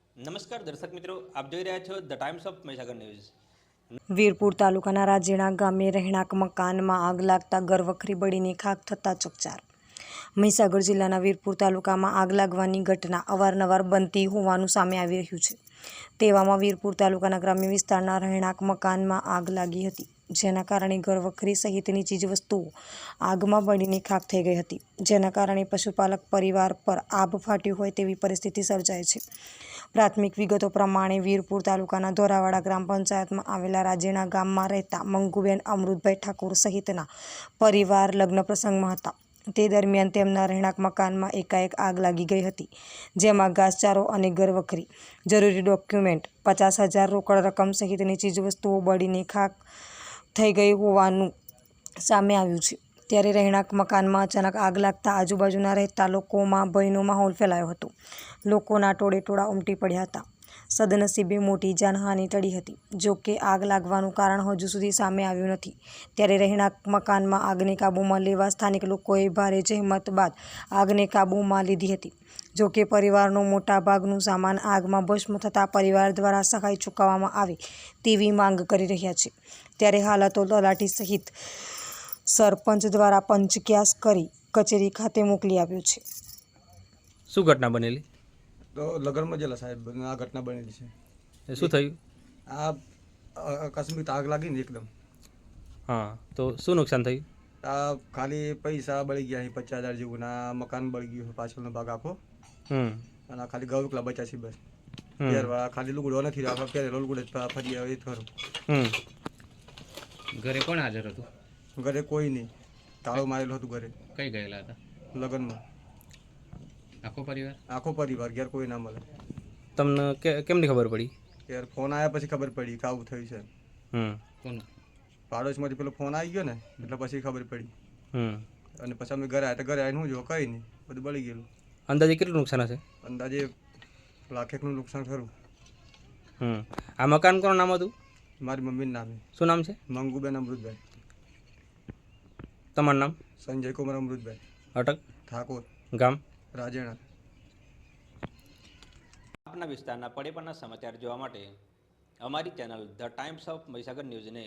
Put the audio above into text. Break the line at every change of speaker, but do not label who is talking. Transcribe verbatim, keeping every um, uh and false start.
નમસ્કાર દર્શક મિત્રો, આપ જોઈ રહ્યા છો the Times of Mahisagar News.
Virpur તાલુકાના રાજેણા ગામે રહેણાંક મકાનમાં આગ લાગતા ઘરવખરી બળીને ખાખ થતા ચકચાર. મહીસાગર જિલ્લાના વીરપુર તાલુકામાં આગ લાગવાની ઘટના અવારનવાર બનતી હોવાનું સામે આવી રહ્યું છે. તેવામાં વીરપુર તાલુકાના ગ્રામ્ય વિસ્તારના રહેણાંક મકાનમાં આગ લાગી હતી, જેના કારણે ઘરવખરી સહિતની ચીજવસ્તુઓ આગમાં બળીને ખાખ થઈ ગઈ હતી, જેના કારણે પશુપાલક પરિવાર પર આભ ફાટ્યું હોય તેવી પરિસ્થિતિ સર્જાઈ છે. પ્રાથમિક વિગતો પ્રમાણે વીરપુર તાલુકાના ધોરાવાડા ગ્રામ પંચાયતમાં આવેલા રાજેણા ગામમાં રહેતા મંગુબેન અમૃતભાઈ ઠાકોર સહિતના પરિવાર લગ્ન પ્રસંગમાં હતા. તે દરમિયાન તેમના રહેણાંક મકાનમાં એકાએક આગ લાગી ગઈ હતી, જેમાં ઘાસચારો અને ઘરવખરી, જરૂરી ડોક્યુમેન્ટ, પચાસ હજાર રોકડ રકમ સહિતની ચીજવસ્તુઓ બળીને ખાખ થઈ ગઈ હોવાનું સામે આવ્યું છે. ત્યારે રહેણાંક મકાનમાં અચાનક આગ લાગતા આજુબાજુના રહેતા લોકોમાં ભયનો માહોલ ફેલાયો હતો. લોકોના ટોળે ટોળા ઉમટી પડ્યા હતા. સદનસીબે મોટી જાનહાનિ ટળી હતી. જો કે આગ લાગવાનું કારણ હજુ સુધી સામે આવ્યું નથી. ત્યારે રહેણાંક મકાનમાં આગને કાબૂમાં લેવા સ્થાનિક લોકોએ ભારે જહેમત બાદ આગને કાબૂમાં લીધી હતી. જો કે પરિવારનો મોટા ભાગનું સામાન આગમાં ભસ્મ થતાં પરિવાર દ્વારા સહાય ચૂકવવામાં આવે તેવી માંગ કરી રહ્યા છે. ત્યારે હાલતો તલાટી સહિત સરપંચ દ્વારા પંચક્યાસ કરી કચેરી ખાતે મોકલી આપ્યું છે.
શું ઘટના બનેલી?
તો લગ્નમાં જેલા સાહેબ આ ઘટના બનેલી છે.
એ શું થયું?
આ આકસ્મિક આગ લાગી ને એકદમ.
હા, તો શું નુકસાન થયું?
આ ખાલી પૈસા બળી ગયા છે પચાસ હજાર જેવું, ના મકાન બળી ગયું પાછળનો ભાગ આખો.
હમ
અને ખાલી ગૌકલા બચ્યા છે બસ.
હમ.
પહેરવા ખાલી લુગડો નથી રાખવા, પહેરેલો લુગડો જ ફરી આવે એ ખરું.
હમ ઘરે કોણ હાજર હતું?
ઘરે કોઈ નહીં, તાળું મારેલું હતું ઘરે.
કઈ ગયેલા હતા?
લગ્નમાં.
આખો પરિવાર?
આખો પરિવાર, ઘેર કોઈ ના મળે.
તમને કે કેમની ખબર પડી?
યાર ફોન આવ્યા પછી ખબર પડી કે આવું થયું છે.
હમ કોણ?
પાડોશમાંથી પેલો ફોન આવી ગયો ને એટલે પછી ખબર પડી.
હમ
અને પછી અમે ઘરે આવ્યા તો ઘરે આવીને હું જો કંઈ નહીં, બધું બળી ગયેલું.
અંદાજે કેટલું નુકસાન હશે?
અંદાજે લાખેકનું નુકસાન ખરું.
હમ આ મકાન કોનું નામ હતું?
મારી મમ્મીનું નામે.
શું નામ છે?
મંગુબેન અમૃતભાઈ.
તમારું નામ?
સંજય કુમાર અમૃતભાઈ.
અટક?
ઠાકોર.
ગામ?
રાજેણા.
આપના વિસ્તારના પડે પણના સમાચાર જોવા માટે અમારી channel the Times of Mahisagar ન્યૂઝને